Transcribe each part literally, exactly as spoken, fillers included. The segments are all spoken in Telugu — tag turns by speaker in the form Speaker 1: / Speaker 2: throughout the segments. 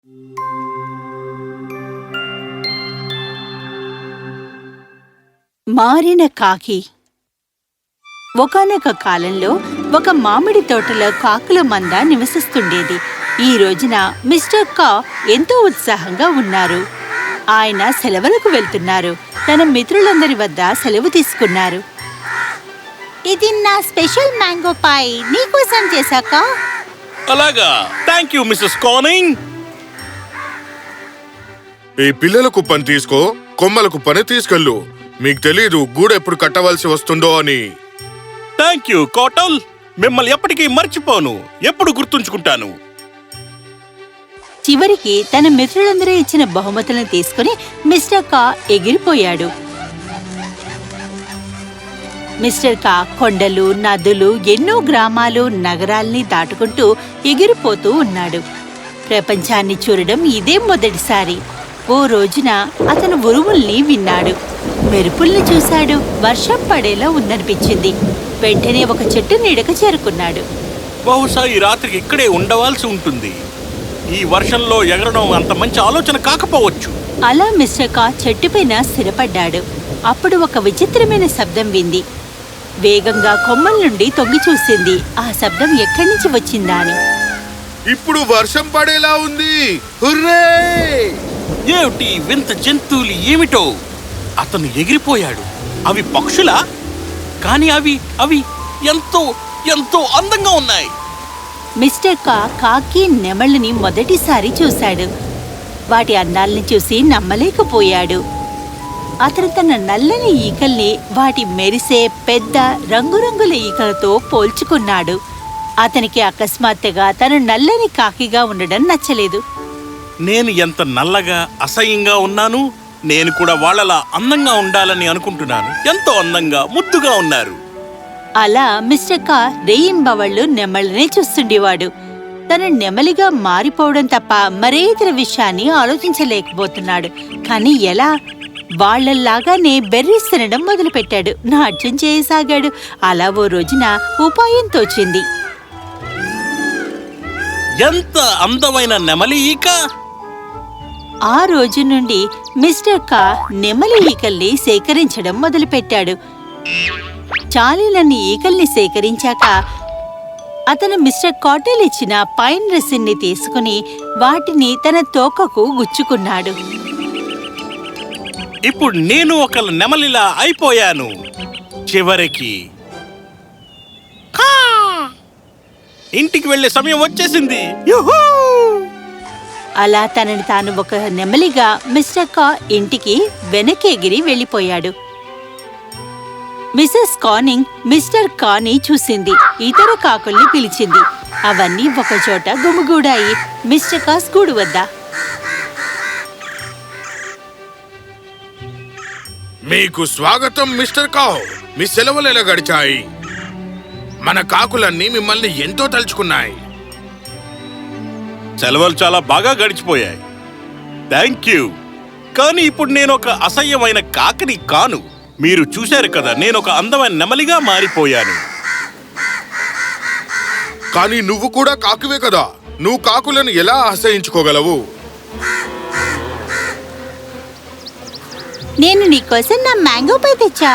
Speaker 1: మారిన కాకి. ఒకానొక కాలంలో ఒక మామిడి తోటలో కాకుల మంద నివసిస్తుండేది. ఈ రోజున మిస్టర్ కా ఎంతో ఉత్సాహంగా ఉన్నారు. ఆయన సెలవులకు వెళ్తున్నారు. తన మిత్రులందరి వద్ద సెలవు తీసుకున్నారు. ఇది నా స్పెషల్ మ్యాంగో పై నీకోసం చేశాక.
Speaker 2: అలాగా, థ్యాంక్ యూ మిస్సెస్ కానింగ్.
Speaker 3: ఈ పిల్లలకు పని తీసుకో, కొమ్మలకు పని తీసుకెళ్ళు. మీకు తెలీదు గూడు ఎప్పుడు కట్టవలసి వస్తుందో అని.
Speaker 2: థ్యాంక్ యూ కోటల్, మిమ్మల్ని ఎప్పటికీ మర్చిపోను, ఎప్పుడు గుర్తుంచుకుంటాను.
Speaker 1: చివరికి తన మిత్రులందరూ ఇచ్చిన బహుమతులను తీసుకుని మిస్టర్ కా ఎగిరిపోయాడు. మిస్టర్ కా కొండలు, నదులు, ఎన్నో గ్రామాలు, నగరాల్ని దాటుకుంటూ ఎగిరిపోతూ ఉన్నాడు. ప్రపంచాన్ని చూడడం ఇదే మొదటిసారి. ఓ రోజున అతను ఉరుముల్ని విన్నాడు, మెరుపుల్ని చూశాడు. వర్షం పడేలా ఉందనిపించింది. వెంటనే ఒక చెట్టు నీడకు చేరుకున్నాడు.
Speaker 2: బహుశా ఈ రాత్రికి ఇక్కడే ఉండవలసి ఉంటుంది. ఈ వర్షంలో ఎగరడం అంత మంచి ఆలోచన కాకపోవచ్చు.
Speaker 1: అలా మిస్టర్ కా చెట్టుపైన స్థిరపడ్డాడు. అప్పుడు ఒక విచిత్రమైన శబ్దం వింది. వేగంగా కొమ్మల నుండి తొంగి చూసింది. ఆ శబ్దం ఎక్కడి నుంచి వచ్చిందా అని.
Speaker 3: ఇప్పుడు వర్షం పడేలా ఉంది. హుర్రే!
Speaker 2: ఏమిటి వింత జంతువులు ఏమిటో? అతను ఎగిరిపోయాడు. అవి పక్షులా? కానీ అవి అవి ఎంతో ఎంతో అందంగా ఉన్నాయి.
Speaker 1: మిస్టర్ కా కాకి, నెమళ్ళని మొదటిసారి చూశాడు. వాటి అందాల్ని చూసి నమ్మలేకపోయాడు. అతను తన నల్లని ఈకల్ని వాటి మెరిసే పెద్ద రంగురంగుల ఈకలతో పోల్చుకున్నాడు. అతనికి అకస్మాత్తుగా తను నల్లని కాకిగా ఉండడం నచ్చలేదు.
Speaker 2: నేను ఎంత నల్లగా అసహ్యంగా ఉన్నాను. నేను కూడా వాళ్ళలా అందంగా ఉండాలని అనుకుంటున్నాను. ఎంతో అందంగా, ముద్దుగా ఉన్నారు.
Speaker 1: అలా మిస్టర్ కా రేయింబవళ్ళు నెమళ్ళనే చూస్తుండేవాడు. తను నెమలిగా మారిపోవడం తప్ప మరే ఇతర విషయాన్ని ఆలోచించలేకపోతున్నాడు. కానీ ఎలా? వాళ్లలాగానే బెర్రీస్ తినడం మొదలుపెట్టాడు. నాట్యం చేయసాగాడు. అలా ఓ రోజున ఉపాయం తోచింది.
Speaker 2: ఎంత అందమైన నెమలి ఈక!
Speaker 1: ఆ రోజు నుండి మిస్టర్ కా నెమలి ఈకల్ని సేకరించడం మొదలుపెట్టాడు. చాలీలన్ని ఈకల్ని సేకరించాక అతను మిస్టర్ కాటెల్ ఇచ్చిన పైన్ రెసిన్ని తీసుకుని వాటిని తన తోకకు గుచ్చుకున్నాడు.
Speaker 2: ఇప్పుడు నేను ఒక నెమలిలా అయిపోయాను. చివరికి ఇంటికి వెళ్లే సమయం వచ్చేసింది. యుహూ!
Speaker 1: అలా తనని తాను ఒక నెమలిగా మిస్టర్ కా ఇంటికి వెనకెగిరి వెళ్ళిపోయాడు. మిసెస్ కానింగ్ మిస్టర్ కాని చూసింది. ఇతర కాకుల్ని పిలిచింది. అవన్నీ ఒకచోట గుమిగూడాయి మిస్టర్ కాస్ గూడు వద్ద.
Speaker 3: మీకు స్వాగతం మిస్టర్ కావ్. మీ సెలవులు ఎలా గడిచాయి? మన కాకులన్నీ మిమ్మల్ని ఎంతో తలుచుకున్నాయి.
Speaker 2: సెలవులు చాలా బాగా గడిచిపోయాయి. Thank you. కానీ ఇప్పుడు నేను ఒక అసహ్యమైన కాకిని కాను. మీరు చూశారు కదా, నేను ఒక అందమైన నెమలిగా మారిపోయాను.
Speaker 3: కానీ నువ్వు కూడా కాకువే కదా. నువ్వు కాకులను ఎలా అసహించుకోగలవు?
Speaker 1: నేను నీకోసం నా మ్యాంగో పై తెచ్చా.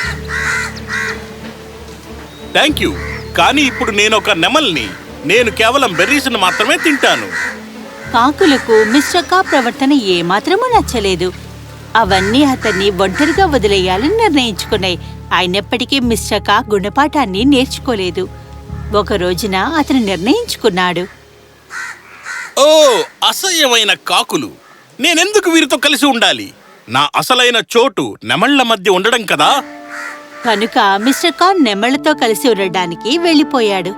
Speaker 2: Thank you. కానీ ఇప్పుడు నేను ఒక నెమల్ని. నేను కేవలం బెర్రీస్ను మాత్రమే తింటాను.
Speaker 1: కాకులకు మిస్టర్ కా ప్రవర్తన ఏమాత్రమూ నచ్చలేదు. అవన్నీ అతన్ని ఒంటరిగా వదిలేయాలని నిర్ణయించుకున్నాయి. అయినప్పటికీ మిస్టర్ కా గుణపాఠాన్ని నేర్చుకోలేదు. ఒక రోజున అతను నిర్ణయించుకున్నాడు,
Speaker 2: ఓ అసహ్యమైన కాకులు! నేనెందుకు వీరితో కలిసి ఉండాలి? నా అసలైన చోటు నెమళ్ల మధ్య ఉండడం కదా.
Speaker 1: కనుక మిస్టర్ కా నెమళ్లతో కలిసి ఉండడానికి వెళ్ళిపోయాడు.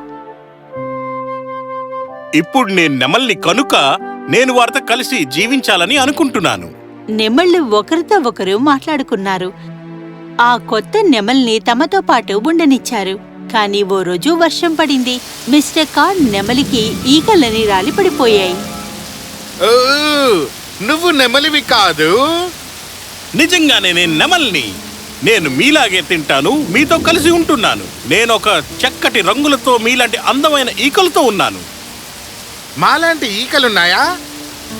Speaker 2: ఇప్పుడు నేను నెమల్ని కనుక నేను వారితో కలిసి జీవించాలని అనుకుంటున్నాను.
Speaker 1: నెమళ్ళు ఒకరితో ఒకరు మాట్లాడుకున్నారు. ఆ కొత్త నెమల్ని తమతో పాటు ఉండనిచ్చారు. కానీ ఓ రోజు వర్షం పడింది. మిస్టర్ కా నెమలికి ఈకలని రాలి పడిపోయాయి.
Speaker 3: ఓ, నువ్వు నెమలివి కాదు.
Speaker 2: నిజంగానే నేను నెమల్ని. నేను మీలాగే తింటాను, మీతో కలిసి ఉంటున్నాను. నేను ఒక చక్కటి రంగులతో మీలాంటి అందమైన ఈకలతో ఉన్నాను.
Speaker 3: మాలాంటి ఈకలున్నాయా?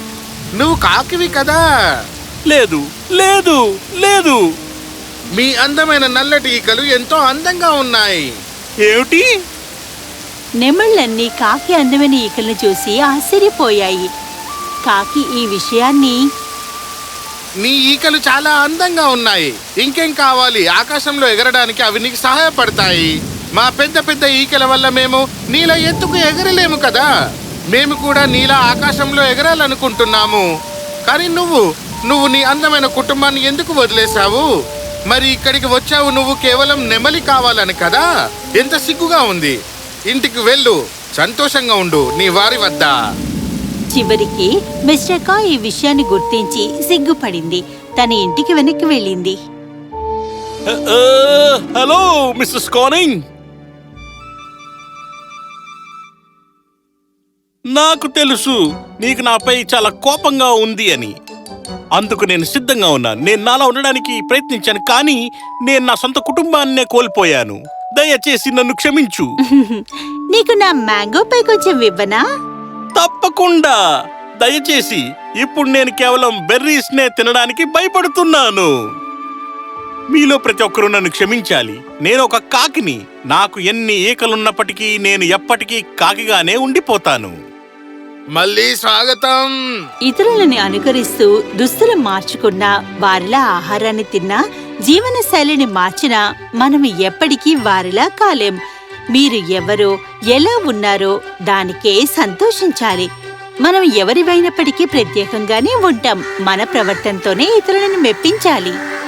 Speaker 3: నువ్వు కాకివి కదా.
Speaker 2: లేదు లేదు లేదు.
Speaker 3: మీ అందమైన నల్లటి ఈకలు ఎంతో అందంగా ఉన్నాయి.
Speaker 2: ఏమిటి?
Speaker 1: నెమళ్ళన్నీ కాకి అందమైన ఈకలను చూసి ఆశ్చర్యపోయాయి. కాకి ఈ విషయాన్ని
Speaker 3: నీ ఈకలు చాలా అందంగా ఉన్నాయి. ఇంకేం కావాలి? ఆకాశంలో ఎగరడానికి అవి నీకు సహాయపడతాయి. మా పెద్ద పెద్ద ఈకల వల్ల మేము నీలా ఎత్తుకు ఎగరలేము కదా. మేము కూడా నీలా ఆకాశంలో ఎగరాలనుకుంటున్నాము. కానీ నువ్వు నువ్వు నీ అందమైన కుటుంబాన్ని ఎందుకు వదిలేశావు? మరి ఇక్కడికి వచ్చావు నువ్వు కేవలం నెమలి కావాలని కదా. ఎంత సిగ్గుగా ఉంది. ఇంటికి వెళ్ళు, సంతోషంగా ఉండు నీ వారి వద్ద.
Speaker 1: చివరికి మిస్టర్ కా ఈ విషయాన్ని గుర్తించి సిగ్గుపడింది. తన ఇంటికి వెనక్కి వెళ్ళింది.
Speaker 2: ఆ, ఆ, హలో మిస్సెస్ కానింగ్. నాకు తెలుసు నీకు నాపై చాలా కోపంగా ఉంది అని. అందుకు నేను సిద్ధంగా ఉన్నాను. నేను నాలా ఉండడానికి ప్రయత్నించాను, కానీ నేను నా సొంత కుటుంబాన్నే కోల్పోయాను. దయచేసి నన్ను క్షమించు.
Speaker 1: నీకు నా మ్యాంగో పై కొంచెం ఇవ్వనా?
Speaker 2: తప్పకుండా. దయచేసి. ఇప్పుడు నేను కేవలం బెర్రీస్ నే తినడానికి భయపడుతున్నాను. మీలో ప్రతి ఒక్కరూ నన్ను క్షమించాలి. నేను ఒక కాకిని. నాకు ఎన్ని ఈకలున్నప్పటికీ నేను ఎప్పటికీ కాకిగానే ఉండిపోతాను.
Speaker 3: మళ్ళీ స్వాగతం.
Speaker 1: ఇతరులని అనుకరిస్తూ దుస్తులు మార్చుకున్నా, వారిలా ఆహారాన్ని తిన్నా, జీవన శైలిని మార్చినా మనం ఎప్పటికీ వారిలా కాలేం. మీరు ఎవరో ఎలా ఉన్నారో దానికే సంతోషించాలి. మనం ఎవరివైనప్పటికీ ప్రత్యేకంగానే ఉంటాం. మన ప్రవర్తనతోనే ఇతరులను మెప్పించాలి.